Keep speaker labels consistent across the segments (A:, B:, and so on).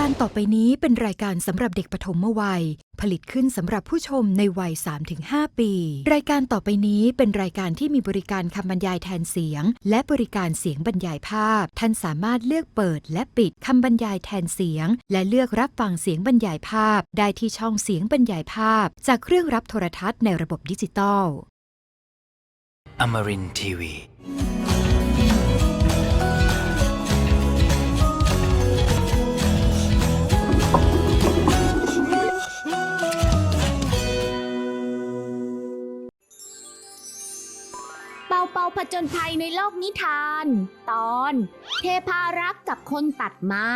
A: การต่อไปนี้เป็นรายการสำหรับเด็กปฐมวัยผลิตขึ้นสำหรับผู้ชมในวัย 3-5 ปีรายการต่อไปนี้เป็นรายการที่มีบริการคำบรรยายแทนเสียงและบริการเสียงบรรยายภาพท่านสามารถเลือกเปิดและปิดคำบรรยายแทนเสียงและเลือกรับฟังเสียงบรรยายภาพได้ที่ช่องเสียงบรรยายภาพจากเครื่องรับโทรทัศน์ในระบบดิจิตอล
B: Amarin Tiwi
C: เปาผจญภัยในโลกนิทานตอนเทพารักษ์กับคนตัดไม้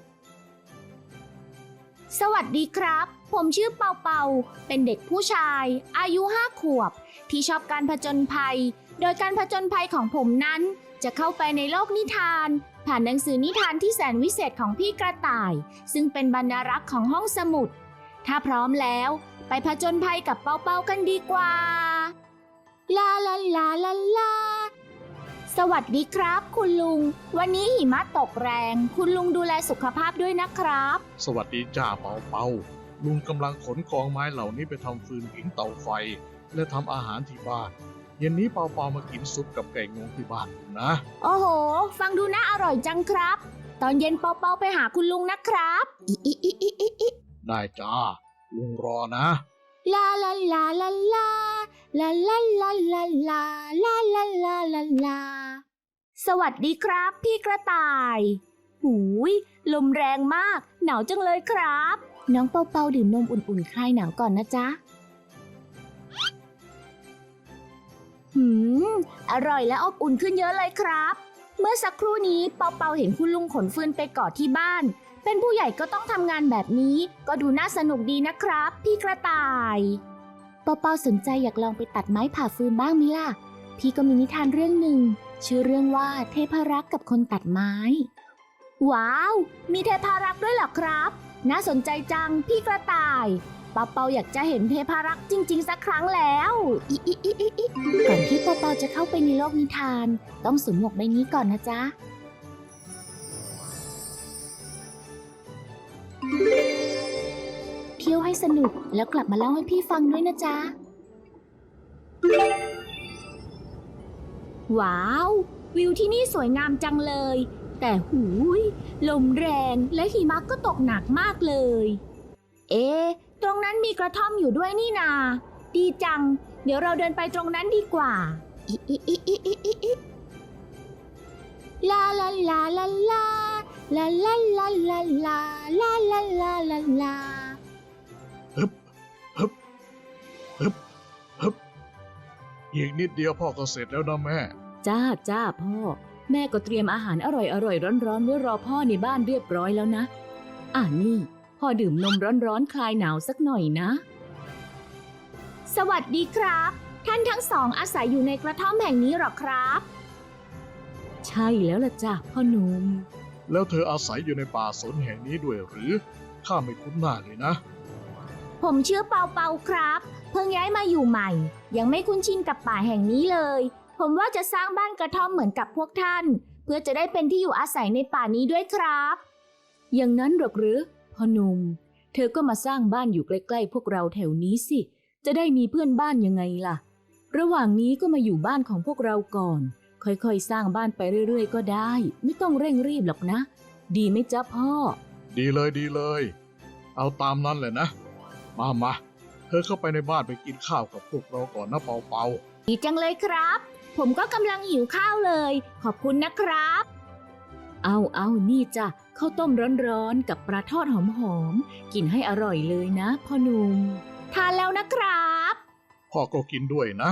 C: สวัสดีครับผมชื่อเปาเป็นเด็กผู้ชายอายุ5 ขวบที่ชอบการผจญภัยโดยการผจญภัยของผมนั้นจะเข้าไปในโลกนิทานผ่านหนังสือนิทานที่แสนวิเศษของพี่กระต่ายซึ่งเป็นบรรณารักษ์ของห้องสมุดถ้าพร้อมแล้วไปผจญภัยกับเปากันดีกว่าลาลาลาลาลาสวัสดีครับคุณลุงวันนี้หิมะตกแรงคุณลุงดูแลสุขภาพด้วยนะครับ
D: สวัสดีจ้าเปาลุงกำลังขนกองไม้เหล่านี้ไปทำฟืนผิงเตาไฟและทำอาหารที่บ้านเย็นนี้เปามากินซุปกับไก่งวงที่บ้านนะ
C: โอ้โหฟังดูน่าอร่อยจังครับตอนเย็นเปาไปหาคุณลุงนะครับ
D: ได้จ้าลุงรอนะ
C: ลาลาลาลาลาลาลาลาลาลาลาลาลาลาลาสวัสดีครับพี่กระต่ายหูยลมแรงมากหนาวจังเลยครับน้องเปาดื่มนมอุ่นๆคลายหนาวก่อนนะจ๊ะอร่อยและอบอุ่นขึ้นเยอะเลยครับเมื่อสักครู่นี้เปาเห็นคุณลุงขนฟืนไปก่อที่บ้านเป็นผู้ใหญ่ก็ต้องทำงานแบบนี้ก็ดูน่าสนุกดีนะครับพี่กระต่ายเปาสนใจอยากลองไปตัดไม้ผ่าฟืนบ้างมั้ยล่ะพี่ก็มีนิทานเรื่องหนึ่งชื่อเรื่องว่าเทพารักษ์กับคนตัดไม้ว้าวมีเทพารักษ์ด้วยเหรอครับน่าสนใจจังพี่กระต่ายเปาอยากจะเห็นเทพารักษ์จริงๆสักครั้งแล้วก่อนที่เปาจะเข้าไปในโลกนิทานต้องสวมหมวกใบนี้ก่อนนะจ๊ะเที่ยวให้สนุกแล้วกลับมาเล่าให้พี่ฟังด้วยนะจ๊ะว้าววิวที่นี่สวยงามจังเลยแต่หูยลมแรงและหิมะก็ตกหนักมากเลยตรงนั้นมีกระท่อมอยู่ด้วยนี่นาดีจังเดี๋ยวเราเดินไปตรงนั้นดีกว่าลาลาลาลาลาลาลาลาลาลาลาลาลาลาลา
D: ฮึบอีกนิดเดียวพ่อก็เสร็จแล้วนะแม่
E: จ้าพ่อแม่ก็เตรียมอาหารอร่อยร้อนๆไว้รอพ่อในบ้านเรียบร้อยแล้วนะนี่พ่อดื่มนมร้อนๆคลายหนาวสักหน่อยนะ
C: สวัสดีครับท่านทั้งสองอาศัยอยู่ในกระท่อมแห่งนี้หรอครับ
E: ใช่แล้วล่ะจ้ะพ่อหนุ่ม
D: แล้วเธออาศัยอยู่ในป่าสนแห่งนี้ด้วยหรือข้าไม่คุ้นหน้าเลยนะ
C: ผมชื่อเปาครับเพิ่งย้ายมาอยู่ใหม่ยังไม่คุ้นชินกับป่าแห่งนี้เลยผมว่าจะสร้างบ้านกระท่อมเหมือนกับพวกท่านเพื่อจะได้เป็นที่อยู่อาศัยในป่านี้ด้วยครับ
E: อย่างนั้นหรอกหรือพ่อหนุ่มเธอก็มาสร้างบ้านอยู่ใกล้ๆพวกเราแถวนี้สิจะได้มีเพื่อนบ้านยังไงล่ะระหว่างนี้ก็มาอยู่บ้านของพวกเราก่อนค่อยๆสร้างบ้านไปเรื่อยๆก็ได้ไม่ต้องเร่งรีบหรอกนะดีไหมจ๊ะพ่อ
D: ดีเลยเอาตามนั้นเลยนะมาเธอเข้าไปในบ้านไปกินข้าวกับพวกเราก่อนนะเปา
C: ดีจังเลยครับผมก็กำลังหิวข้าวเลยขอบคุณนะครับ
E: เอานี่จ้ะข้าวต้มร้อนๆกับปลาทอดหอมๆกินให้อร่อยเลยนะพ่อหนุ่ม
C: ทานแล้วนะครับ
D: พ่อก็กินด้วยนะ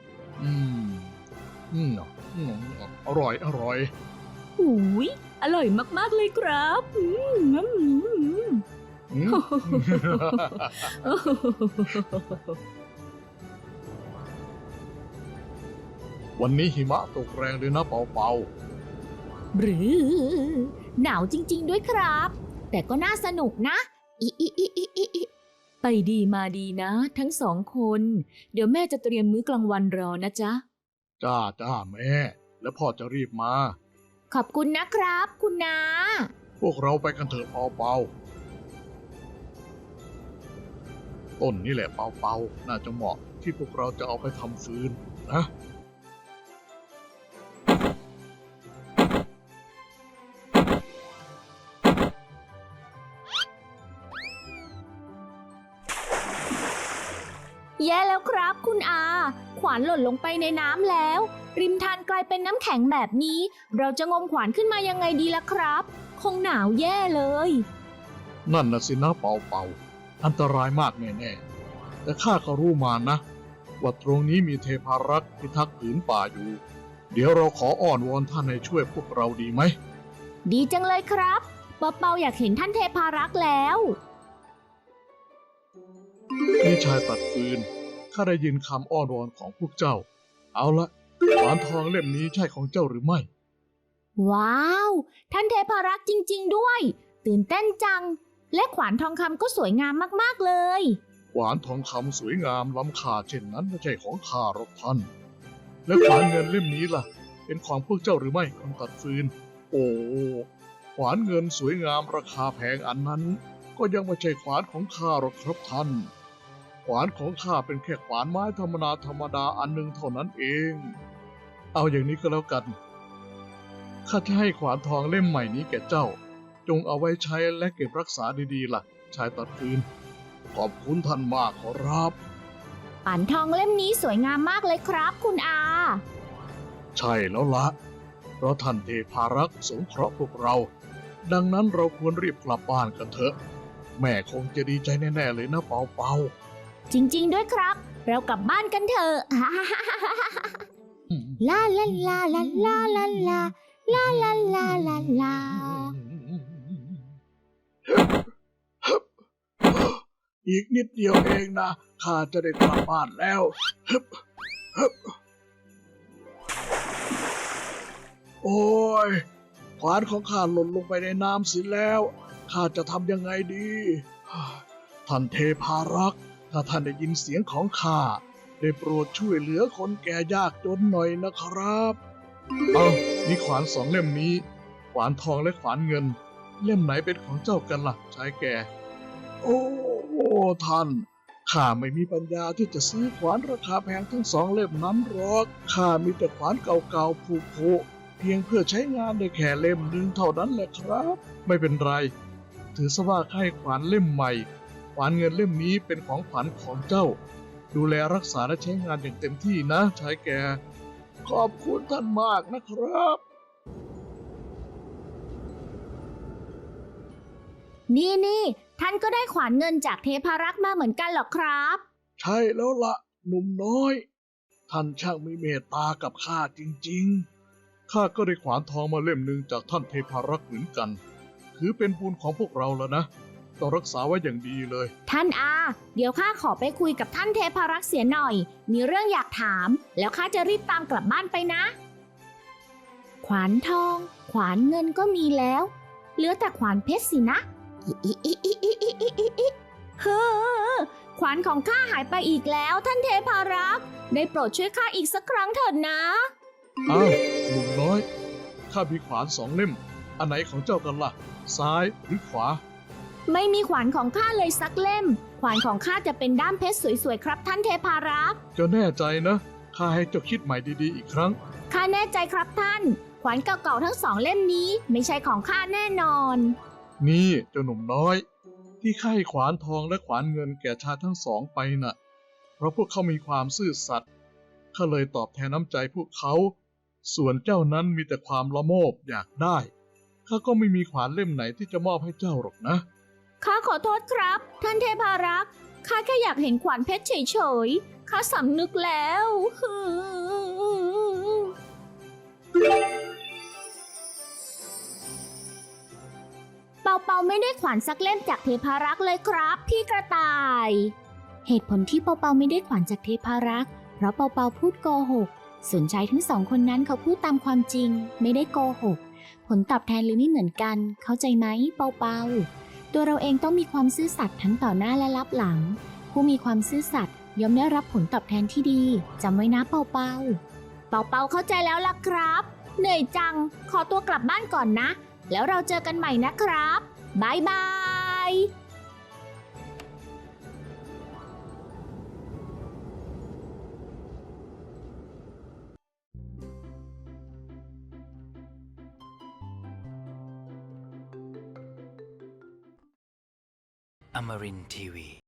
D: อร่อย
E: หูยอร่อยมากๆเลยครับ
D: วันนี้หิมะตกแรงเลยนะเปา
C: หรือหนาวจริงๆด้วยครับแต่ก็น่าสนุกนะ
E: ไปดีมาดีนะทั้งสองคนเดี๋ยวแม่จะเตรียมมื้อกลางวันรอนะจ๊ะ
D: จ้าแม่แล้วพ่อจะรีบมา
C: ขอบคุณนะครับคุณน้า
D: พวกเราไปกันเถอะเปาเปาต้นนี่แหละเปาเปาน่าจะเหมาะที่พวกเราจะเอาไปทำฟืนนะ
C: แย่แล้วครับคุณอา ขวานหล่นลงไปในน้ำแล้ว ริมทานกลายเป็นน้ำแข็งแบบนี้ เราจะงมขวานขึ้นมายังไงดีล่ะครับ คงหนาวแย่เลย
D: นั่นน่ะสินะเปาเปาอันตรายมากแน่ๆแต่ข้าก็รู้มานะว่าตรงนี้มีเทพารักษ์พิทักษ์ผืนป่าอยู่ เดี๋ยวเราขออ้อนวอนท่านให้ช่วยพวกเราดีไหม
C: ดีจังเลยครับเปาๆอยากเห็นท่านเทพารักษ์แล้ว
D: พี่ชายตัดฟืนข้าได้ยินคำอ้อนวอนของพวกเจ้า เอาละขวานทองเล่มนี้ใช่ของเจ้าหรือไม่
C: ว้าว ท่านเทพารักษ์จริงๆด้วย ตื่นเต้นจัง และขวานทองคำก็สวยงามมากๆเลย
D: ขวานทองคำสวยงามล้ำค่าเช่นนั้นไม่ใช่ของข้าหรอกท่าน และขวานเงินเล่มนี้ล่ะ เป็นของพวกเจ้าหรือไม่คนตัดฟืน โอ้ขวานเงินสวยงามราคาแพงอันนั้น ก็ยังไม่ใช่ขวานของข้าหรอกครับท่าน ขวานของข้าเป็นแค่ขวานไม้ธรรมดาอันหนึ่งเท่านั้นเอง เอาอย่างนี้ก็แล้วกันข้าจะให้ขวานทองเล่มใหม่นี้แก่เจ้า จงเอาไว้ใช้และเก็บรักษาดีๆล่ะ ชายตัดฟืน ขอบคุณท่านมากขอรับ
C: ป่านทองเล่มนี้สวยงามมากเลยครับคุณอา
D: ใช่แล้วละเพราะท่านเทพารักษ์สงเคราะห์พวกเรา ดังนั้นเราควรรีบกลับบ้านกันเถอะ แม่คงจะดีใจแน่ๆเลยนะเปาเปา
C: จริงๆด้วยครับ เรากลับบ้านกันเถอะ ลาลาลาลาลาลาลาลาลาลาลาลา
D: อีกนิดเดียวเองนะข้าจะได้กลับบ้านแล้วฮึบฮึบโอ้ยขวานของข้าหล่นลงไปในน้ำเสิแล้วข้าจะทำยังไงดีท่านเทพารักษ์ถ้าท่านได้ยินเสียงของข้าได้โปรดช่วยเหลือคนแก่ยากจนหน่อยนะครับเอานี่ขวานสองเล่มนี้ขวานทองและขวานเงิน เล่มไหนเป็นของเจ้ากันล่ะชายแก่ โอ้ท่านข้าไม่มีปัญญาที่จะซื้อขวานราคาแพงทั้งสองเล่มนั้นหรอกข้ามีแต่ขวานเก่าๆผุๆเพียงเพื่อใช้งานได้แค่เล่มหนึ่งเท่านั้นแหละครับ ไม่เป็นไร ถือซะว่าให้ขวานเล่มใหม่ขวานเงินเล่มนี้เป็นของขวัญของเจ้า ดูแลรักษาและใช้งานอย่างเต็มที่นะชายแก่ขอบคุณท่านมากนะครับ
C: นี่ท่านก็ได้ขวานเงินจากเทพารักษ์มาเหมือนกันเหรอครับ
D: ใช่แล้วละหนุ่มน้อย ท่านช่างมีเมตตากับข้าจริงๆ ข้าก็ได้ขวานทองมาเล่มหนึ่งจากท่านเทพารักษ์เหมือนกัน ถือเป็นบุญของพวกเราแล้วนะ ต้องรักษาไว้อย่างดีเลย
C: ท่านอา เดี๋ยวข้าขอไปคุยกับท่านเทพารักษ์เสียหน่อย มีเรื่องอยากถาม แล้วข้าจะรีบตามกลับบ้านไปนะ ขวานทอง ขวานเงินก็มีแล้ว เหลือแต่ขวานเพชรสินะเฮ้อขวานของข้าหายไปอีกแล้วท่านเทพารักษ์ได้โปรดช่วยข้าอีกสักครั้งเถิดนะ
D: อ้าวหนุ่มน้อย ข้ามีขวานสองเล่ม อันไหนของเจ้ากันล่ะ ซ้ายหรือขวา
C: ไม่มีขวานของข้าเลยสักเล่ม ขวานของข้าจะเป็นด้ามเพชรสวยๆครับท่านเทพารักษ์
D: เจ้าแน่ใจนะ ข้าให้เจ้าคิดใหม่ดีๆอีกครั้ง
C: ข้าแน่ใจครับท่าน ขวานเก่าๆทั้งสองเล่มนี้ไม่ใช่ของข้าแน่นอน
D: นี่เจ้าหนุ่มน้อย ที่ข้าให้ขวานทองและขวานเงินแก่ชายทั้งสองไปน่ะ เพราะพวกเขามีความซื่อสัตย์ข้าเลยตอบแทนน้ำใจพวกเขา ส่วนเจ้านั้นมีแต่ความละโมบอยากได้ข้าก็ไม่มีขวานเล่มไหนที่จะมอบให้เจ้าหรอกนะ
C: ข้าขอโทษครับ ท่านเทพารักษ์ข้าแค่อยากเห็นขวานเพชรเฉยๆข้าสำนึกแล้วเปาไม่ได้ขวานสักเล่มจากเทพารักษ์เลยครับ พี่กระต่าย เหตุผลที่เปาไม่ได้ขวานจากเทพารักษ์เพราะเปาพูดโกหกส่วนชายทั้งสองคนนั้นเขาพูดตามความจริงไม่ได้โกหกผลตอบแทนเลยไม่เหมือนกันเข้าใจไหมเปาตัวเราเองต้องมีความซื่อสัตย์ทั้งต่อหน้าและลับหลังผู้มีความซื่อสัตย์ย่อมได้รับผลตอบแทนที่ดีจำไว้นะเปาเข้าใจแล้วล่ะครับเหนื่อยจังขอตัวกลับบ้านก่อนนะแล้วเราเจอกันใหม่นะครับบายบาย
B: Amarin Tiwi.